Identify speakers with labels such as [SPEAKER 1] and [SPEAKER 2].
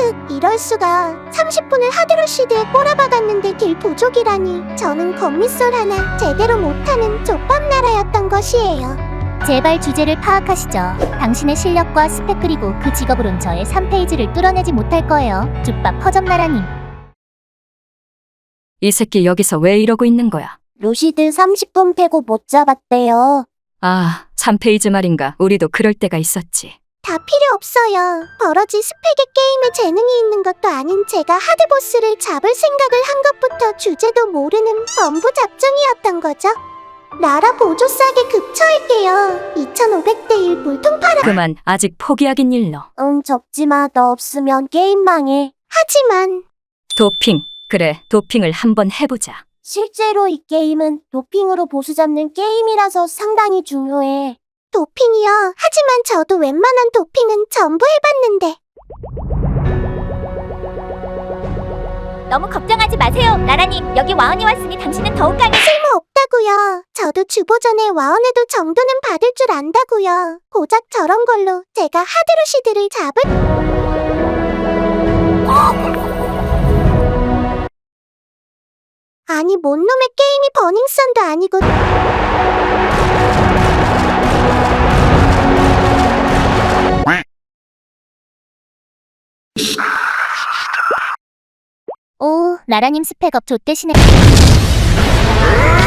[SPEAKER 1] 이럴 수가. 30분을 하드루시드에 꼬라박았는데 딜 부족이라니. 저는 건미솔 하나 제대로 못하는 족밥나라였던 것이에요.
[SPEAKER 2] 제발 주제를 파악하시죠. 당신의 실력과 스펙 그리고 그 직업으론 저의 3페이지를 뚫어내지 못할 거예요. 쭈밥 허접나라님.
[SPEAKER 3] 이 새끼 여기서 왜 이러고 있는 거야?
[SPEAKER 1] 루시드 30분 패고 못 잡았대요.
[SPEAKER 3] 아, 3페이지 말인가. 우리도 그럴 때가 있었지.
[SPEAKER 1] 다 필요 없어요. 버러지 스펙에 게임에 재능이 있는 것도 아닌 제가 하드보스를 잡을 생각을 한 것부터 주제도 모르는 범부 잡종이었던 거죠. 나라 보조 싸게 급처할게요. 2,500대 1 물통 팔아.
[SPEAKER 3] 그만, 아직 포기하긴 일러.
[SPEAKER 1] 적지마. 너 없으면 게임 망해. 하지만
[SPEAKER 3] 도핑. 그래, 도핑을 한번 해보자.
[SPEAKER 1] 실제로 이 게임은 도핑으로 보수 잡는 게임이라서 상당히 중요해. 도핑이요? 하지만 저도 웬만한 도핑은 전부 해봤는데.
[SPEAKER 2] 너무 걱정하지 마세요. 나라님, 여기 와은이 왔으니 당신은 더욱 강해.
[SPEAKER 1] 쓸모없다고요. 저도 주보전에 와원에도 정도는 받을 줄 안다고요. 고작 저런 걸로 제가 하드루시드를 아니 뭔 놈의 게임이 버닝썬도 아니고.
[SPEAKER 2] 오, 나라님 스펙업 좆대시네.